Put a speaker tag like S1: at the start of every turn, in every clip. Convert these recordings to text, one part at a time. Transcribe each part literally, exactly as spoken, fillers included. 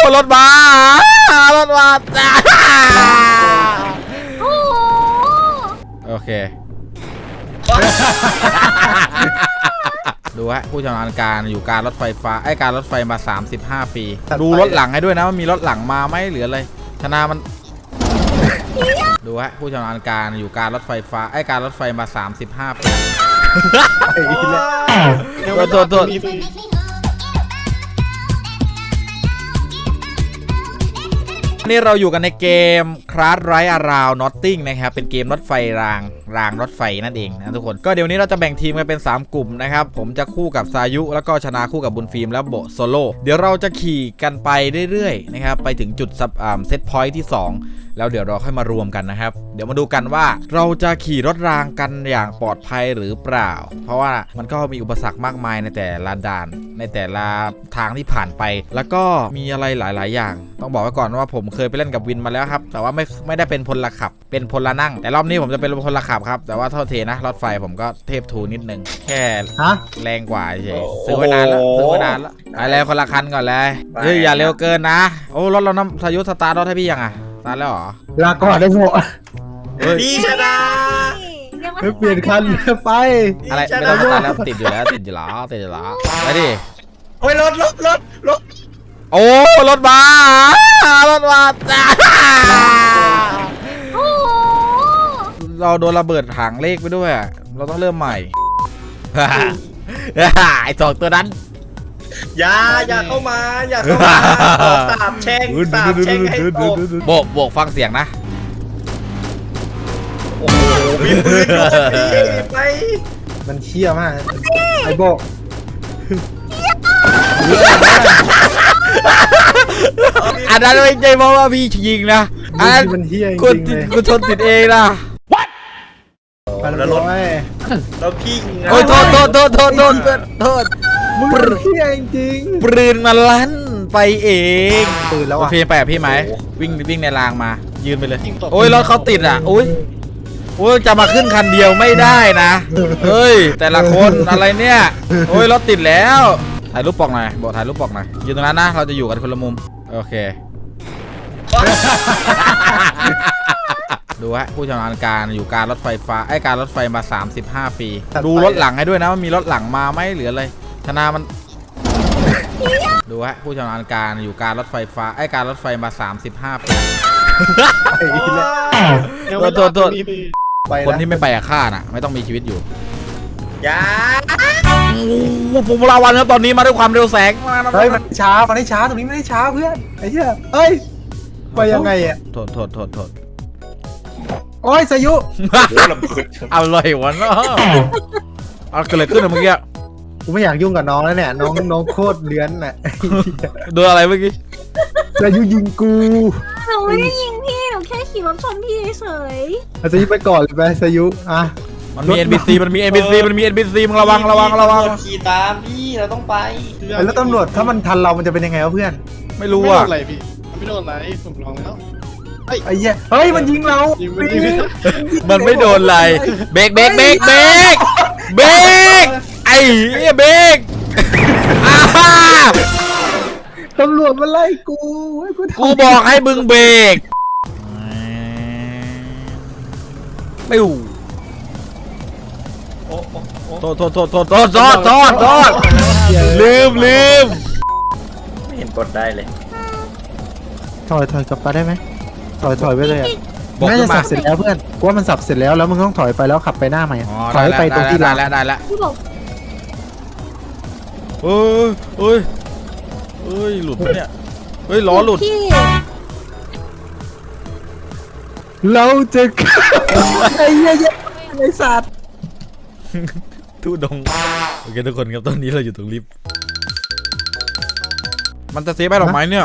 S1: รถมารถมาจ้าโอเคดูฮะผู้ชำนาญการอยู่การรถไฟฟ้าไอ้การรถไฟมาสามสิบห้าปีดูรถหลังให้ด้วยนะว่ามีรถหลังมาไหมหรืออะไรชนะมันดูฮะผู้ชำนาญการอยู่การรถไฟฟ้าไอ้การรถไฟมาสามสิบห้าปีโทษโทษนี่เราอยู่กันในเกมคลาสไรอาราวน็อตติ้งนะครับเป็นเกมรถไฟรางรางรถไฟนั่นเองนะทุกคนก็เดี๋ยวนี้เราจะแบ่งทีมกันเป็นสามกลุ่มนะครับผมจะคู่กับซายุแล้วก็ชนะคู่กับบุญฟิล์มแล้วโบโซโล่เดี๋ยวเราจะขี่กันไปเรื่อยๆนะครับไปถึงจุดซับอ่าเซตพอยท์ที่สองแล้วเดี๋ยวเราค่อยมารวมกันนะครับเดี๋ยวมาดูกันว่าเราจะขี่รถรางกันอย่างปลอดภัยหรือเปล่าเพราะว่ามันก็มีอุปสรรคมากมายในแต่ละด่านในแต่ละทางที่ผ่านไปแล้วก็มีอะไรหลายๆอย่างต้องบอกไว้ก่อนว่าผมเคยไปเล่นกับวินมาแล้วครับแต่ว่าไม่ไม่ได้เป็นพลขับเป็นพลนั่งแต่รอบนี้ผมจะเป็นพลขับครับแต่ว่าเท่าเทนะรถไฟผมก็เทพทูนิดนึงแค่แรงกว่าเฉยซื้อไว้นานแล้วซื้อไว้นานแล้วไปแล้วคนละคันก่อนเลยเฮ้ยอย่าเร็วเกินนะโอ้รถเราน้ำทายุสตาร์ทรถให้พี่ยังอ่ะสตาร์ทแล้วเหรอ
S2: ลาก่อนได้หมด
S3: พี่ชนะ
S2: เปลี่ยนคันไป
S1: อะไรไม่ต้องสตาร์ทแล้วติดอยู่แล้วติดอยู่แล้วติดอยู่แล้วไปดิ
S3: โอ้ยรถรถรถรถ
S1: โอ้รถมารถมาจ้าเราโดนระเบิดถังเลขไปด้วยเราต้องเริ่มใหม่ไอ้สองตัวนั้น
S3: อย่าอย่าเข้ามาอย่าเข้ามาสาบแช่งสาบแช่งให้ตก
S1: โบกโบกฟังเสียงนะ
S3: โอ้โหมีปืนด้วยไป
S2: มันเชี่ยมากไอ้โบ
S1: อันนั้นไม่ใช่เพราะว่าพี่ยิงนะอันนั้นกูกูชนติดเองนะ
S3: แล้วรถแล้วพี่
S1: โอ้ยโทษโทษโทษโทษโทษโทษ
S2: มึงเชี่ยจริง
S1: ปืนมาลั่นไปเอง
S2: ปืนแล้วอ่ะ
S1: พี่แปะพี่ไหมวิ่งวิ่งในรางมายืนไปเลยโอ้ยรถเขาติดอ่ะโอ้ยโอ้ยจะมาขึ้นคันเดียวไม่ได้นะเฮ้ยแต่ละคนอะไรเนี่ยโอ้ยรถติดแล้วถ่ายรูปปอกหน่อยบอกถ่ายรูปปอกหน่อยยืนตรงนั้นนะเราจะอยู่กันคนละมุมโอเคดูฮะผู้ชำนาญการอยู่การรถไฟฟ้าไอ้การรถไฟมาสามสิบห้าปีดูรถหลังให้ด้วยนะว่ามีรถหลังมาไหมหรืออะไรชนะมันดูฮะผู้ชำนาญการอยู่การรถไฟฟ้าไอ้การรถไฟมาสามสิบห้าปีโทษโทษคนที่ไม่ไปอะฆ่าน่ะไม่ต้องมีชีวิตอยู่
S3: อย่า
S1: ผมลาวันครับตอนนี้มาด้วยความเร็วแสงมา
S2: เฮ้ยมันช้ามันไม่ช้าตรงนี้ไม่ได้ช้าเพื่อนไอ้เหี้ยเอ้ยไปยังไงอ่ะ
S1: โทษโทษโทษโทษ
S2: โอ้ยสายุ
S1: เอาเลยวะเนาะเอาเกิดอะไรขึ้นเมื่อกี้
S2: กูไม่อยากยุ่งกับน้องแล้วเนี่ยน้องน้องโคตรเลื้อนน่ะ
S1: โดนอะไรเมื่อกี้
S2: สายุยิงกู
S4: หนูไม่ได้ยิงพี่หนูแค่ขี่รถชนพี่เฉย
S2: สายุไปก่อนเลยไปสายุอ่ะ
S1: มันมี เอ็น พี ซี มันมี เอ็น พี ซี มันมี เอ็น พี ซี มึงระวังระวังระวัง
S3: ขี่ตามพี่เราต้องไป
S2: แล้วตำรวจถ้ามันทันเรามันจะเป็นยังไงวะเพื่อน
S1: ไม่รู้อ่ะ
S5: อะไรพี่ไม่โดนอะไรผมลองแล้ว
S2: ไอ้เหี้ยเฮ้ยมันยิงเรา
S1: มันไม่โดนอะไรเบรกเบรกเบรกเบรกเบรกไอ้เหี้ยเบรก
S2: ตำรวจมาไล่กู
S1: กูบอกให้มึงเบรกไม่หูโทษโทษโทษโทษโทษโทษโทษโทษลืมลืม
S3: ไม่เห็นกดได้เลย
S2: ถอยถอยกลับไปได้ไหมถอยถอยไปเลยอ่ะน่าจะสับเสร็จแล้วเพื่อนกูว่ามันสับเสร็จแล้วแล้วมึงต้องถอยไปแล้วขับไปหน้าใหม่ถอยไปตรงที่
S1: ได้แล้วได้แล้วเฮ้ยเฮ้ยเฮ้ยหลุดเนี่ยเฮ้ยล้อหลุด
S2: เราจะไอ้เหี้ยไอ้สัตว์
S1: ทุดงโอเคทุกคนครับตอนนี้เราอยู่ตรงลิฟต์มันจะเซฟไปหรอไหมเนี่ย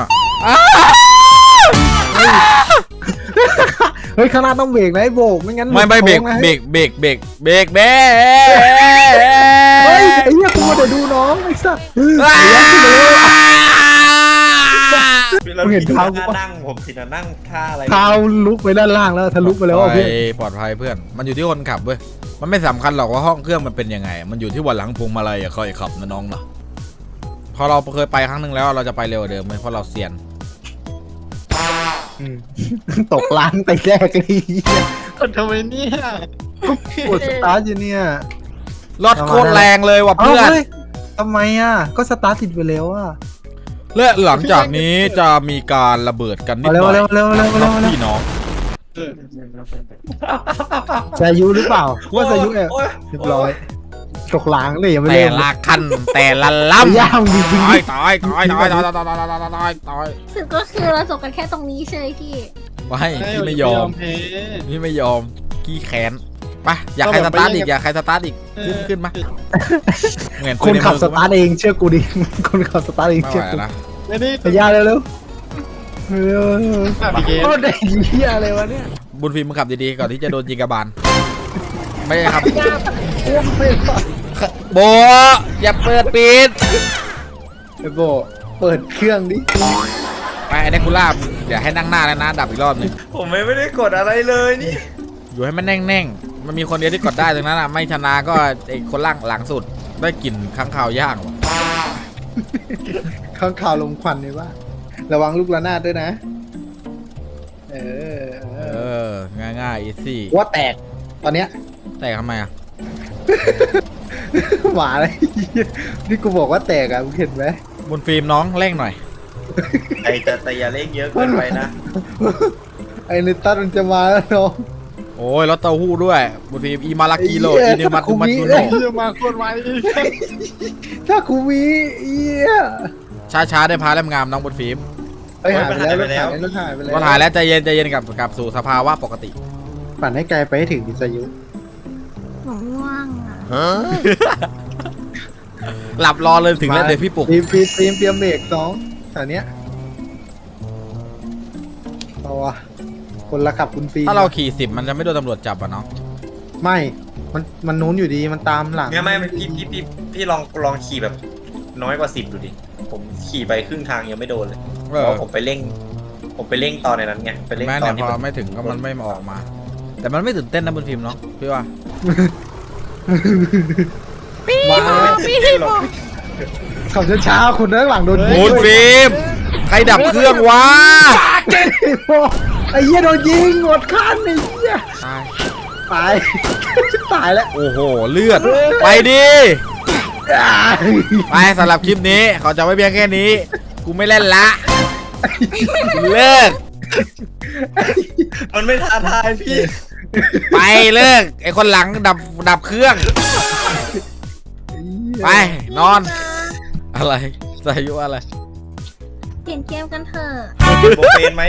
S2: เฮ้ยข้างหน้าต้องเบรกนะไอ้โบกไม่งั้น
S1: ไม่ไม่เบรกเบรกเบรกเบรกเบรกเบรก
S2: เฮ้ยไอ้เหี้ยกูมาเดี๋ยวดูน้องไอ้สัส
S3: เราเห็นเท้านั่งผมสินะนั่งท่าอะไร
S2: เท้าลุกไปด้านล่างแล้วทะลุไปแล้วเพื่อน
S1: ปลอดภัยเพื่อนมันอยู่ที่คนขับเว้ยมันไม่สำคัญหรอกว่าห้องเครื่องมันเป็นยังไงมันอยู่ที่วันหลังพวงมาลัยอะคอยขับนะน้องเนาะพอเราเคยไปครั้งหนึ่งแล้วเราจะไปเร็วกว่าเดิมไหมเพราะเราเซียน
S2: อืมตกล้างไปแรกเลย
S5: คนทำไมเนี่ย
S2: ปวดสตาร์ทอยู่เนี่ย
S1: รถโคตรแรงเลยว่ะ
S2: เอ้า
S1: เพื่อน
S2: เฮ้ยทำไมอ่ะก็สตาร์ทติดไปแล้วอ่ะ
S1: และหลังจากนี้จะมีการระเบิดกันนิด
S2: มา
S1: ห
S2: เร็ว
S1: น่อย
S2: เร็วเร็วเร็ว
S1: ค
S2: เร็
S1: รับ
S2: วเร็ว
S1: พี่น้อง
S5: เออ
S2: สายุหรือเปล่าว่าสายุเออ
S3: โอ้ย
S2: เรียบร้อยตกล้างเลยยังไม่
S1: แต่
S2: เริ่ม
S1: ละขั้นแต่ละลำ
S2: ย่างจริง
S1: ตายตายตายตายตายตายตายตายตายตาย
S4: สึกก็คือเราจบกันแค่ตรงนี้ใช่ไหมพี่
S1: ไม่พี่ไม่ยอม
S5: แพ้
S1: พี่ไม่ยอมขี้แค้นไปอยากใครสตาร์ทอีกอยากใครสตาร์ทอีกขึ้นขึ้นมาเหมือน
S2: ๆคนขับสตาร์ทเองเชื่อกูดิ คนขับสตาร์ทเอง
S1: ไม่
S2: เชื่อ
S1: ไหว
S2: กู
S1: แล้วนะ
S5: ไม่ได้
S2: พยาเร็วเร็วเร็ว
S5: ขับอีกเกม
S2: โอ้เด็กเหี้ยอะไรวะเนี่ย
S1: บุญฟิล์มมึงขับดีๆก่อนที่จะโดนยิงกระบาลไม่ใช่ครับ
S2: อ้วกไม่รอด
S1: โบอย่าเปิดปิด
S2: ไอ้โบเปิดเครื่องดิ
S1: ไปไอ้เดคูล่าเดี๋ยวให้นั่งหน้าแล้วนะดับอีกรอบหนึง
S3: ผมไม่ได้กดอะไรเลยนี่
S1: อยู่ให้มันแน่งๆมันมีคนเดียวที่กดได้ตรงนั้นอ่ะไม่ชนะก็ไอ้คนล่างหลังสุดได้กลิ่นค้างคาวย่างว่ะ
S2: ข้างข่าวลมควันเลยว่าระวังลูกระนาดด้วยนะ เออเอ
S1: เอ
S2: อ
S1: อง่ายๆอีซี่
S2: ว่าแตกตอนเนี้ย
S1: แต่ทำไมอ่ะ
S2: หมาเลยนี่กูบอกว่าแตกอ่ะมึงเห็นไหม
S1: บุญฟิล์มน้องเร่งหน่อย
S3: ไอ้แต่แต่อย่าเล่นเยอะเกินไปนะ
S2: ไอ้นิตัสมันจะมาแล้วน้อง
S1: โอ้ยรถเต้าหู้ด้วยบุญฟิล์มอีมาลากิโล
S2: ไอ้
S1: อี
S2: เหี้ย
S1: นิมัตุมัตุโน
S5: เรื่องมาโคตรไว
S2: ถ้ากูมีเอี้ย
S1: ช้าๆได้พาแลมงามน้องบุญฟิล์ม
S2: ไปหายไปแล้วรถหายไปแล้ว
S1: ก็ถ่ายแล้วใจเย็นใจเย็นกลับกลับสู่สภาวะปกติ
S2: ปั่นให้ไกลไปให้ถึงดิสยุ
S4: หนูง่วงอ่ะ
S1: หลับรอเลยถึงแล้วเดี๋ยวพี่ปลุก
S2: ทีมทีมทีมเตรียมเบรกสองแถวเนี้ยเอาวะคนละขับคุณฟรี
S1: ถ้าเราขี่สิบมันจะไม่โดนตำรวจจับอ่ะเนาะ
S2: ไม่ มันมันนู้นอยู่ดีมันตามหลัง
S3: เนี่ยไม่พี่พี่พี่พี่ลองลองขี่แบบน้อยกว่าสิบดูดิ ผมขี่ไปครึ่งทางยังไม่โดนเลย
S1: เอ
S3: เพ
S1: อ
S3: ราะผมไปเร่ง ผมไปเร่งตอนในนั้นไง ไปเร่ง
S1: แม้
S3: ตอ
S1: เนี่
S3: น
S1: ย
S3: ที่
S1: พ
S3: มั
S1: อน ไม่ถึงก็มันไม่ออกมา แต่มันไม่ตื่นเต้นนะบุญฟิล์มเนาะพี่ว่า
S4: พี่
S2: มา
S4: บอกพี่บอก
S2: ขับช้าๆคนด้านหลังโดนยิง
S1: บุญฟิล์มใครดับเครื่องวะ
S2: ไอ้เหี้ยโดนยิงหมดคันไอ้เหี้ย
S1: ตาย
S2: ตาย ตายแล้ว
S1: โอ้โหเลือด ไปดิไปสำหรับคลิปนี้ขอจบไว้เพียงแค่นี้ กูไม่เล่นละกูเลิก
S3: มันไม่ท้าทายพี่
S1: ไปเลิกไอคนหลังดับดับเครื่อง ไปนอน อะไรสายุอะไร
S4: เปลี่ยนเกมกันเถอะ
S3: โบเฟนไหม